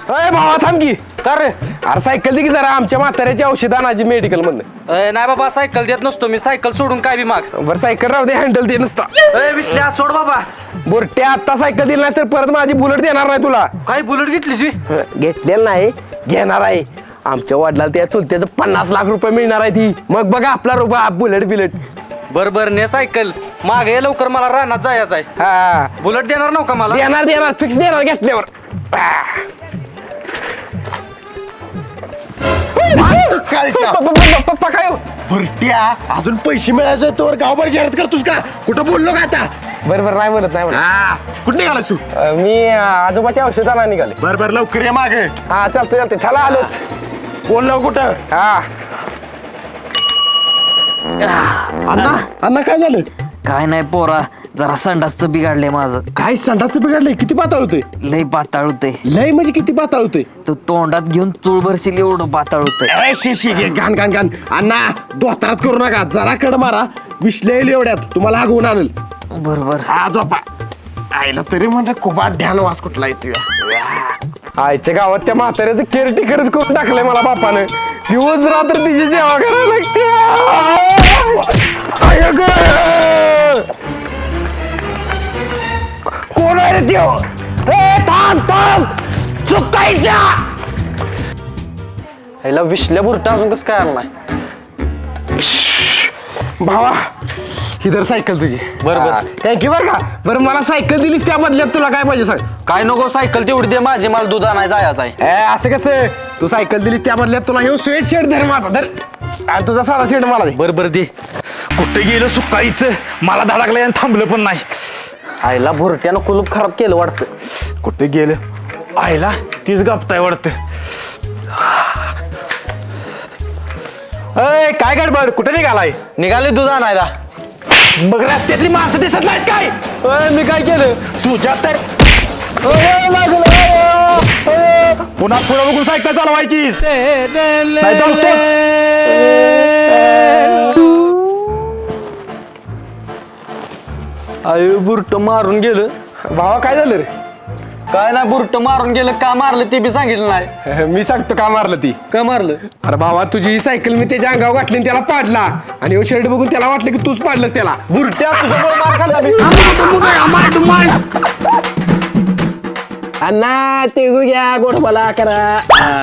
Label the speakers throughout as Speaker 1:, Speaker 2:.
Speaker 1: अरे भावा थांब की का रे? अरे सायकल दे की जरा आमच्या म्हाताऱ्याची औषध आणायची मेडिकल मधनं.
Speaker 2: नाही बाबा सायकल देत नसतो मी, सायकल सोडून काय बी माग.
Speaker 1: बरं सायकल राहू दे, हँडल दे नसता.
Speaker 2: विश्ल्या सोड बाबा.
Speaker 1: बोरट्या आता सायकल दिली नाही तर परत माझी बुलेट देणार नाही तुला.
Speaker 2: काय बुलेट घेतलीस?
Speaker 1: घेतलेलं नाही, घेणार आहे. आमच्या वडिलाला त्या चुलत्याचं 50 लाख रुपये मिळणार आहे ती. मग बघा आपला रुपया बुलेट बिलेट.
Speaker 2: बर ने सायकल माग ये लवकर, मला रानात जायचं आहे.
Speaker 1: हा
Speaker 2: बुलेट देणार नव्हता मला?
Speaker 1: देणार फिक्स देणार घेतल्यावर. पप्पा काय
Speaker 3: भरट्या अजून पैसे मिळायचे तोवर गावभर जाहिरात करतोस का? कुठं बोललो का आता?
Speaker 1: बरोबर नाही म्हणत नाही म्हणत.
Speaker 3: हा कुठं निघालास तू?
Speaker 1: मी आजोबाच्या औषधाला निघाले.
Speaker 3: बर लवकर ये मागे.
Speaker 1: हा चालतंय चला आलोच.
Speaker 3: बोललो कुठं?
Speaker 1: हा
Speaker 3: अण्णा काय झालं?
Speaker 4: काय नाही पोरा, जरा संडासचं बिघडलंय माझं.
Speaker 3: काय संडासचं बिघडलंय? किती पाताळ होतोय?
Speaker 4: लय पाताळ होतंय.
Speaker 3: लय म्हणजे किती पाताळ होतोय?
Speaker 4: तो तोंडात घेऊन चूळ भरशील एवढं पाताळ होतंय.
Speaker 3: शी घाण अण्णा दोतारात करू नका, जरा कड मारा. विश्लेल एवढ्यात तुम्हाला हागवून आणल.
Speaker 4: बरोबर.
Speaker 3: हा झोपा. आईला तरी म्हणजे खूप ध्यान वास कुठला येतोय.
Speaker 1: आईच्या गावात त्या म्हाताऱ्याचं केअरटेकरच करून टाकलंय मला बापानं. दिवस रात्र तिची सेवा करायला लागते. कोण आहे रे त्यो? थांब चुकायच्या
Speaker 2: ह्याला विश्ल्या बुरटा अजून कसं काय आला नाही?
Speaker 1: भावा ही तर सायकल तुझी.
Speaker 2: बरोबर.
Speaker 1: थँक्यू बरं का. बरं मला सायकल दिलीस त्या बदल्यात तुला काय पाहिजे सांग.
Speaker 2: काय नको, सायकल तेवढी दे माझी, मला दूध आणायला जायचं आहे.
Speaker 1: असं कसं? तू सायकल दिलीस त्या बदल्यात तुला हे स्वेट शर्ट धर माझा धर, आणि तुझा साधा शर्ट मला दे.
Speaker 2: बर दे.
Speaker 3: कुठे गेलं सुकाईचं? मला धडकलंय आणि थांबलं पण नाही.
Speaker 2: आईला भुरट्यानं कुलूप खराब केलं वाटतं.
Speaker 3: कुठे गेलं? आईला तीच गपताय वाटतं. अय काय गडबड? कुठे निघालाय?
Speaker 2: निघाले दूध आणायला.
Speaker 3: मग रस्त्यातली माणसं दिसत नाहीत काय?
Speaker 2: मी काय केलं?
Speaker 3: तुझ्या तर पुन्हा पुढे बघून सायकल चालवायचीस नाही तर
Speaker 2: आय बुरट मारून गेलं.
Speaker 1: भावा काय झालं रे?
Speaker 2: काय नाही, बुरट मारून गेलं. का मारलं ते बी सांगितलं नाही.
Speaker 1: मी सांगतो का मारलं ती.
Speaker 2: का मारलं?
Speaker 1: अरे भावा तुझी सायकल मी त्याच्या अंगावर घातली आणि त्याला पाडला, आणि हे शर्ट बघून त्याला वाटलं की तूच पाडलंस त्याला.
Speaker 2: बुरट्या तुझ्यामुळे मार खाल्ला मी.
Speaker 1: अण्णा ते घ्या गोड मला करा.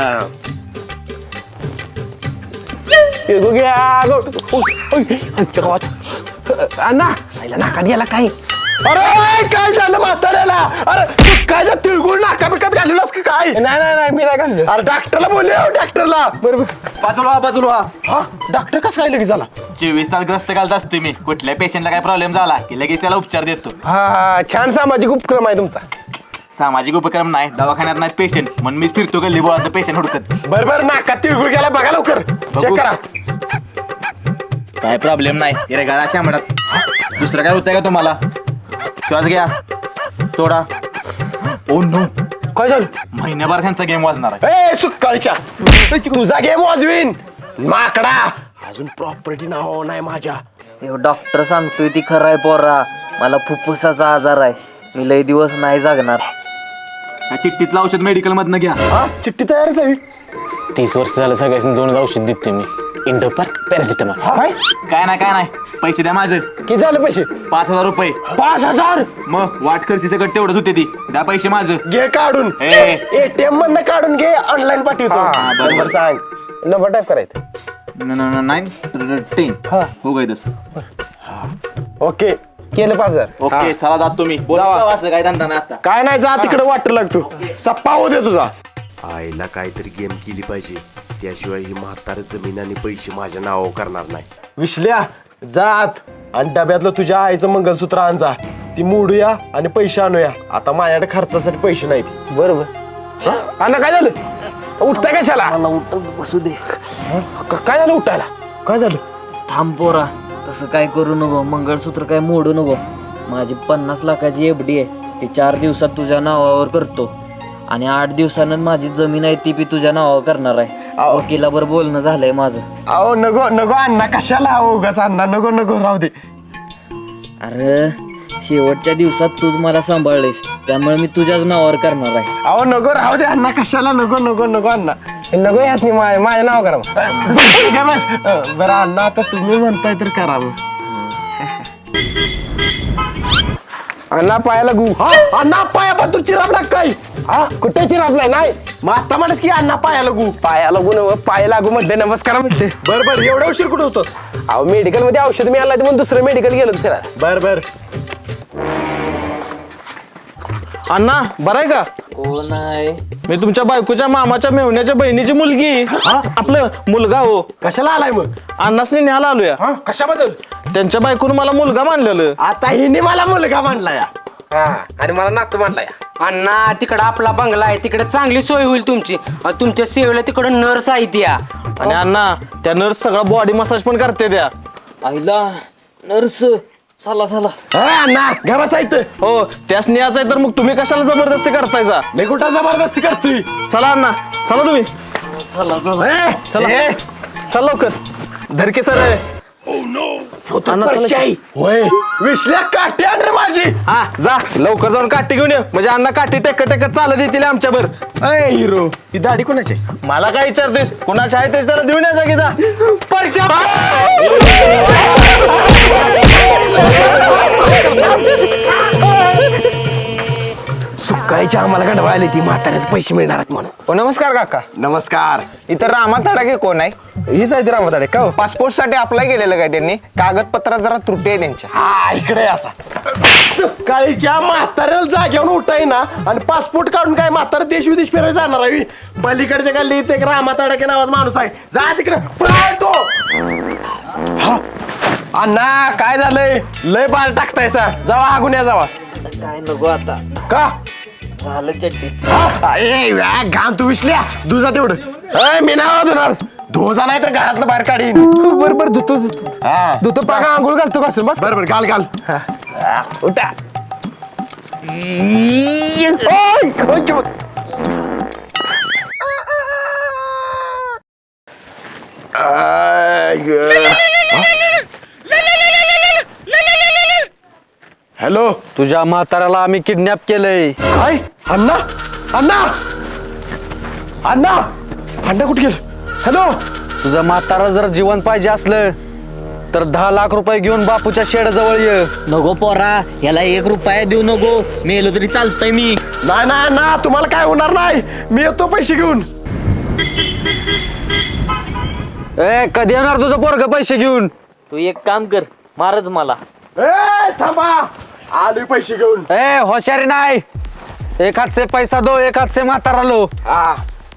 Speaker 1: घ्या गोड आमच्या गावात. अण्णा आईला नाकात गेला काय?
Speaker 3: अरे काय झालं म्हाताऱ्याला? अरे सुकायच्या तिळगुळ नाका बिकत घालूनच का काय?
Speaker 1: नाही मी नाही घाललं.
Speaker 3: अरे डॉक्टरला बोलले, डॉक्टरला.
Speaker 1: बरोबर.
Speaker 2: बाजूला.
Speaker 3: हा डॉक्टर कसं काय लगेच झाला?
Speaker 5: 24 तास ग्रस्त घालत असतो मी. कुठल्या पेशंटला काय प्रॉब्लेम झाला की लगेच त्याला उपचार देतो.
Speaker 1: हा छान सामाजिक उपक्रम आहे तुमचा.
Speaker 5: सामाजिक उपक्रम नाही, दवाखान्यात नाही पेशंट म्हणून मी फिरतो गल्ली बोळात पेशंट हुडकत.
Speaker 3: बरोबर नाकात तिळगुळ गेला, बघा लवकर चेक करा.
Speaker 5: काय प्रॉब्लेम नाही. रेगाळा शामडात. दुसरं काय होतंय का तुम्हाला? श्वास घ्या, सोडा. ओ नो,
Speaker 1: काय झालं?
Speaker 5: महिन्याभर त्यांचा गेम वाजणार आहे.
Speaker 3: ए सुकाळीच्या तुझा गेम वाजवीन माकडा. अजून प्रॉपर्टी नाव नाही माझ्या.
Speaker 4: हे डॉक्टर सांगतोय ती खरं आहे पोरा. मला फुफ्फुसाचा आजार आहे. मी लय दिवस नाही जागणार.
Speaker 5: या चिठ्ठीतलं औषध मेडिकल मधनं घ्या.
Speaker 3: हा चिठ्ठी तयारच आहे.
Speaker 6: 30 वर्ष झालं सगळ्यांनी 2 औषध देते मी. इंडोपार, पॅरासिटामॉल.
Speaker 1: काय
Speaker 5: काय नाही पैसे द्या माझं.
Speaker 1: किती झालं पैसे?
Speaker 5: 5000 रुपये.
Speaker 1: 5000?
Speaker 5: मग वाट खर्ची सगळं तेवढंच होते ती. द्या पैसे माझं.
Speaker 3: घे काढून.
Speaker 5: ए.
Speaker 3: एटीएम मधनं काढून घे, ऑनलाईन पाठवतो.
Speaker 1: हा,
Speaker 3: बरोबर सांग.
Speaker 1: नंबर टाईप करायचं.
Speaker 5: 9
Speaker 1: हा.
Speaker 5: हो गई दस.
Speaker 3: ओके
Speaker 1: केलं 5000.
Speaker 5: ओके चला जात तुम्ही. बोला असं काय धंदा नाही आता.
Speaker 3: काय नाही, जा तिकडे वाटर लागतो. सप्पा होऊ दे तुझा. आईला काहीतरी गेम केली पाहिजे, त्याशिवाय ही म्हातार जमीन आणि पैसे माझ्या नावावर करणार नाही. विश्ल्या जात आणि डब्यातलं तुझ्या आईचं मंगलसूत्र आण जा. ती मोडूया आणि पैसे आणूया. आता माझ्याकडे खर्चासाठी पैसे नाहीत.
Speaker 1: बरोबर. अण्णा काय झालं? उठताय कशाला?
Speaker 4: मला उठत बसू दे.
Speaker 1: काय झालं उठायला?
Speaker 3: काय झालं?
Speaker 4: थांब पोरा, तसं काय करू नको. मंगळसूत्र काय मोडू नको. माझी 50 लाखाची एफडी आहे. ती 4 दिवसात तुझ्या नावावर करतो, आणि 8 दिवसानं माझी जमीन आहे ती बी तुझ्या नावावर करणार आहे. वकिलाबर बोलणं झालंय माझं.
Speaker 3: अहो नको अण्णा, कशाला उगाच अण्णा, नको राहू दे.
Speaker 4: अरे शेवटच्या दिवसात तूच मला सांभाळलेस, त्यामुळे मी तुझ्याच नावावर करणार आहे.
Speaker 3: अहो नको राहू दे अण्णा, कशाला नको नको नको अण्णा.
Speaker 1: नको यास माझं नाव करा मग.
Speaker 3: काय बस बरं अण्णा, आता तुम्ही म्हणताय तर करा मग.
Speaker 1: अण्णा पायाला गु.
Speaker 3: हा अण्णा पाया पण तू चिराबला काय?
Speaker 1: हा कुठे चिरापलाय नाही
Speaker 3: मग आता म्हणस की अण्णा पाया लागू.
Speaker 1: पाया लागू नव, पाय लागू म्हणते, नमस्कार म्हणते.
Speaker 3: बर बर, एवढा उशीर कुठं होतोस?
Speaker 1: अहो मेडिकल मध्ये औषध मिळालं म्हणून दुसरं मेडिकल गेलो फिरायला.
Speaker 3: बर बर.
Speaker 2: अण्णा बरं आहे का?
Speaker 4: हो नाही,
Speaker 2: मी तुमच्या बायकोच्या मामाच्या मेहुण्याच्या बहिणीची मुलगी. आपलं मुलगा हो.
Speaker 3: कशाला आलाय मग?
Speaker 2: अण्णासनी न्यायला आलोया.
Speaker 1: कशाबद्दल?
Speaker 2: त्यांच्या बायकोनं मला मुलगा मानलेलं.
Speaker 3: आता हिने मला मुलगा मांडला या.
Speaker 1: हा आणि मला नातू मानलाय.
Speaker 7: अण्णा तिकडं आपला बंगला आहे, तिकडे चांगली सोय होईल तुमची. तुमच्या सेवेला तिकडं नर्स आहे त्या.
Speaker 2: आणि अण्णा त्या नर्स सगळा बॉडी मसाज पण करते त्या.
Speaker 4: आईला नर्स, चला चला.
Speaker 3: अण्णा घ्या बसायचं.
Speaker 2: हो त्यास न्यायचं आहे तर मग तुम्ही कशाला जबरदस्ती करतायचा?
Speaker 3: मी कुठं जबरदस्ती करतोय?
Speaker 2: चला अण्णा, चला तुम्ही.
Speaker 4: चला चला.
Speaker 2: चला चल लवकर. धरके सर.
Speaker 3: होय विसल्या काठी आण रे माझी.
Speaker 2: हा जा लवकर जाऊन काठी घेऊन ये, म्हणजे अण्णा काठी टेकत टेकत चालत येतील आमच्यावर.
Speaker 3: अय हिरो, ही दाढी कोणाची?
Speaker 2: मला काय विचारतोस? कोणाच्या आहे तेच त्याला देऊन यायचा की जा.
Speaker 1: सुकायच्या आम्हाला गंडवायला ती म्हाताऱ्याचे पैसे मिळणार आहेत म्हणून.
Speaker 8: नमस्कार काका.
Speaker 3: नमस्कार.
Speaker 8: इथं रामा तडाके कोण आहे?
Speaker 1: हीच आहे ती रामदारे का हो?
Speaker 8: पासपोर्ट साठी अप्लाय केलेलं काय त्यांनी? कागदपत्रात जरा त्रुटी आहे त्यांच्या.
Speaker 3: हा इकडे असा. सकाळीच्या म्हाताऱ्याला जाग्यावर उठाय ना, आणि पासपोर्ट काढून काय म्हातारा देश विदेश फिरायला जाणार आहे? पलीकडच्या गल्ली इथे एक रामा तडाके नावाचा माणूस आहे, जा तिकडे पळतो. अण्णा काय झालंय? लय बाल टाकतायसा, जावा हागुन्या जावा.
Speaker 4: काय नको आता,
Speaker 3: का?
Speaker 4: झालं चड्डीत.
Speaker 3: घाम तू विसल्या दुजा तेवढं.
Speaker 1: मी नाव धुणार.
Speaker 3: धोजा नाही तर घरातलं बाहेर काढीन.
Speaker 1: बरोबर धुतो धुतो
Speaker 3: हा
Speaker 1: धुतो पाका आंघोळ घालतो कसं बस.
Speaker 3: बरोबर घाल घाल.
Speaker 1: उठा.
Speaker 3: हॅलो.
Speaker 2: तुझ्या म्हाताऱ्याला आम्ही किडनॅप केलंय.
Speaker 3: काय? अण्णा अण्णा अण्णा अण्णा कुठे गेल? हॅलो.
Speaker 2: तुझं म्हातारा जर जीवन पाहिजे असलं तर 10 लाख रुपये घेऊन बापूच्या शेड जवळ ये.
Speaker 4: नको पोरा, याला 1 रुपया देऊ नको, मेलो तरी चालतंय मी.
Speaker 3: नाही नाही ना, तुम्हाला काय होणार नाही, मी येतो पैसे घेऊन.
Speaker 2: ए कधी येणार तुझं पोरग पैसे घेऊन?
Speaker 4: तू एक काम कर, मारच मला.
Speaker 3: ए थांबा, आलोय पैसे घेऊन.
Speaker 2: ए होशारी नाही, एक हात से पैसा दो, एक हात से म्हातारा लो.
Speaker 3: हा.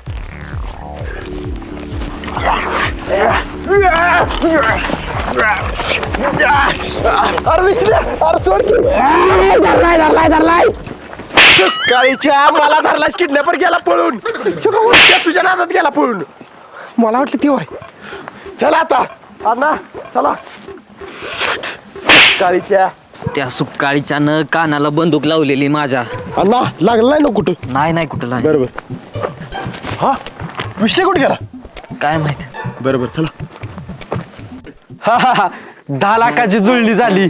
Speaker 3: अरे विसल्या, अरे सोड की.
Speaker 1: धरलाय.
Speaker 3: सकाळीच्या मला धरलाच, किडनॅपर गेला पळून. तुझ्या नादात गेला पळून.
Speaker 1: मला वाटलं ती वाय.
Speaker 3: चला आता अण्णा चला. सकाळीच्या
Speaker 4: त्या सुकाळीच्यानं कानाला बंदूक लावलेली माझ्या.
Speaker 3: अण्णा लागला नाही ना कुठं?
Speaker 4: नाही कुठं नाही.
Speaker 3: बरोबर. हा विसले कुठे गेला?
Speaker 4: काय माहित.
Speaker 3: बरोबर चला.
Speaker 2: 10 लाखाची जुळणी झाली.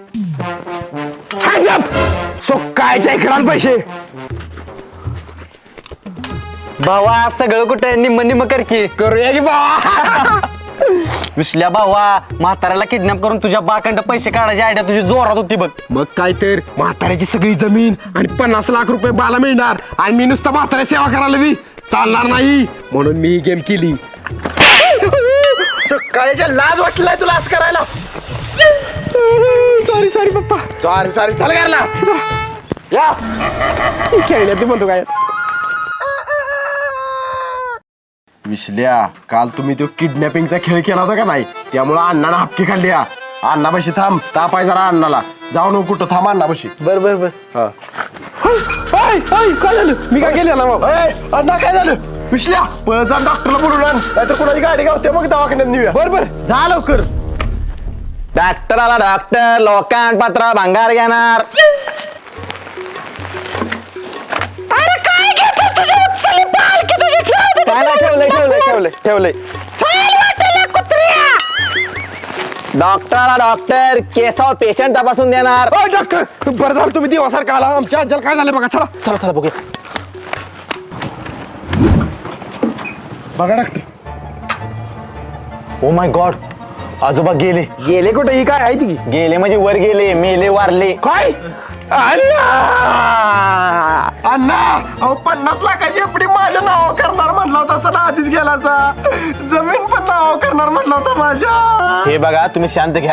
Speaker 1: सुकायच्या इकडं पैसे.
Speaker 2: भावा सगळं कुठे निम्म निम्म कर की.
Speaker 1: करूया की बाबा.
Speaker 2: विसल्या भावा, म्हाताऱ्याला किडनॅप करून तुझ्या बाकंड पैसे काढायची आयडिया तुझी जोरात होती बघ.
Speaker 1: मग काय तर, म्हाताऱ्याची सगळी जमीन आणि 50 लाख रुपये बाला मिळणार, आणि मी नुसतं म्हाताऱ्या सेवा करायला बी चालणार नाही, म्हणून मी गेम केली.
Speaker 3: सकाळीच्या लाज वाटलाय तुला असं करायला?
Speaker 1: सॉरी पप्पा.
Speaker 3: सॉरी चल घरला. या
Speaker 1: खेळण्यात म्हणतो काय.
Speaker 3: विसल्या, काल तुम्ही तो किडनॅपिंगचा खेळ केला होता का नाही? त्यामुळे अण्णानं हपकी खाल्ली. अण्णापाशी थांब, ताप आहे जरा अण्णाला. जाऊ नको कुठं, थांब अण्णापाशी.
Speaker 1: बर.
Speaker 3: हा.
Speaker 1: काय झालं? मी काय केलं ना?
Speaker 3: अण्णा काय झालं? विसल्या, पळ जा डॉक्टरला बोलून आण, नाहीतर कुणाची गाडी गावते मग दवाखान्यात नेऊया.
Speaker 1: बर
Speaker 3: जा लवकर.
Speaker 8: डॉक्टर आला डॉक्टर, लोकांत पत्र भंगार घेणार.
Speaker 3: ठेवलंय.
Speaker 8: डॉक्टर आला डॉक्टर केसावर पेशंट तपासून देणार
Speaker 1: ओ डॉक्टर बरं झालं तुम्ही दिवसासारखा आला आमच्या आज्याला काय झालं बघा चला
Speaker 8: चला चला बघूया
Speaker 1: बघा डॉक्टर
Speaker 8: ओ माय गॉड आजोबा गेले
Speaker 1: गेले कुठे ही काय आहे ती
Speaker 8: गेले म्हणजे वर गेले मेले वारले
Speaker 1: काय अण्णा अण्णा अहो 50 लाखाची एफडी माझ्या नाव करणार म्हटलं होता सर आधीच गेलाचा जमीन पण नाव करणार म्हटलं होता माझ्या
Speaker 8: हे बघा तुम्ही शांत घ्या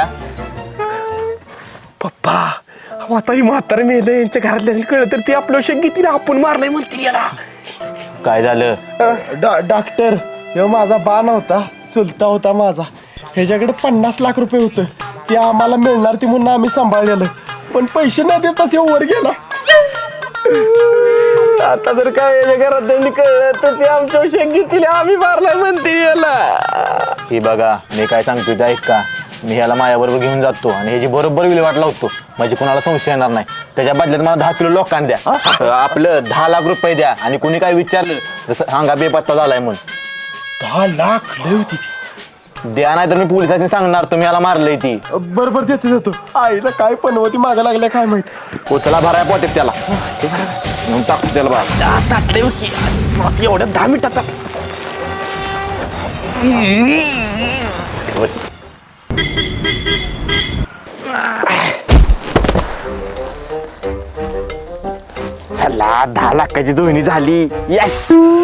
Speaker 1: पप्पा अहो, आता ही म्हातारे मेले यांच्या घरातल्या कळलं तर ते आपलं शंकी आपण मारलंय म्हणते याला
Speaker 8: काय झालं
Speaker 3: डॉक्टर हे माझा बा नव्हता चुलता होता माझा ह्याच्याकडे 50 लाख रुपये होतं ते आम्हाला मिळणार ती म्हणून आम्ही सांभाळलेलं पण पैसे न देताच हे वर गेला आता जर काय याच्या घरात त्यांनी कळलं तर ते आमच्या शंकीतील आम्ही मारलाय म्हणते याला
Speaker 8: हे बघा मी काय सांगतो ते ऐका मी ह्याला माझ्याबरोबर घेऊन जातो आणि ह्याची बरोबर विल्हेवाट लावतो म्हणजे कुणाला संशय येणार नाही त्याच्या बदल्यात मला 10 किलो लोकांना द्या आपलं 10 लाख रुपये द्या आणि कुणी काय विचारलं जसं हांगा बेपत्ता झालाय म्हणून
Speaker 3: 10 लाख लय होती ती
Speaker 8: द्या नाही तर मी पोलिसांनी सांगणार तुम्ही याला मारलंय ती
Speaker 3: बरोबर देतो आईला काय पण होती मागा लागल्या काय माहित
Speaker 8: उचला भराय पोटेत त्याला म्हणून टाकतो त्याला बाहेर
Speaker 1: ताटले की एवढ्या 10 मिनिटात चला 10 लाखाची दोन्ही झाली येस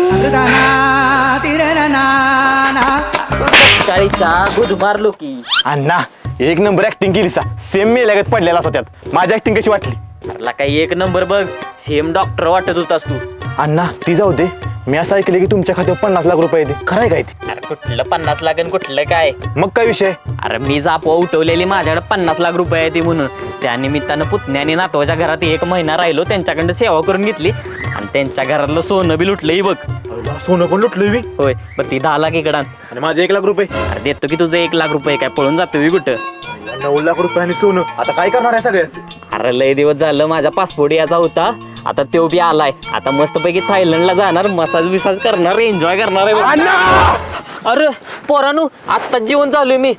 Speaker 4: सकाळीच्या गुद मारलो की
Speaker 8: अण्णा एक नंबर ऍक्टिंग केली सा सेम मेल्यागत पडलेला असा त्यात माझी ऍक्टिंग कशी वाटली
Speaker 4: मला काही एक नंबर बघ सेम डॉक्टर वाटत होतास तू
Speaker 8: अण्णा ती जाऊ दे मी असं ऐकलं की तुमच्या खात्यावर 50 लाख रुपये येते खरंय काय ती
Speaker 4: अरे कुठलं 50 लाख आणि कुठलं काय
Speaker 8: मग काय विषय
Speaker 4: अरे मी जापवा उठवलेली माझ्याकडे 50 लाख रुपये आहे ती म्हणून त्या निमित्तानं पुतण्याने नातवाच्या घरात 1 महिना राहिलो त्यांच्याकडनं सेवा करून घेतली आणि त्यांच्या घरातलं सोनं बी लुटलंही बघ
Speaker 8: सोनं पण लुटलोय मी
Speaker 4: होय बरं ती 10 लाख इकडं आण.
Speaker 8: आणि माझे 1 लाख रुपये
Speaker 4: अरे देतो की तुझं 1 लाख रुपये काय पळून जातो मी कुठं
Speaker 8: 9 लाख रुपये आणि सोनं आता काय करणार आहे सगळ्याच
Speaker 4: अरे लय दिवस झालं माझा पासपोर्ट याचा होता आता तो बी आलाय आता मस्तपैकी थायलंडला जाणार मसाज बिसाज करणार एन्जॉय करणार आहे बघ. अरे पोरानू आत्ताच जेवण चालू मी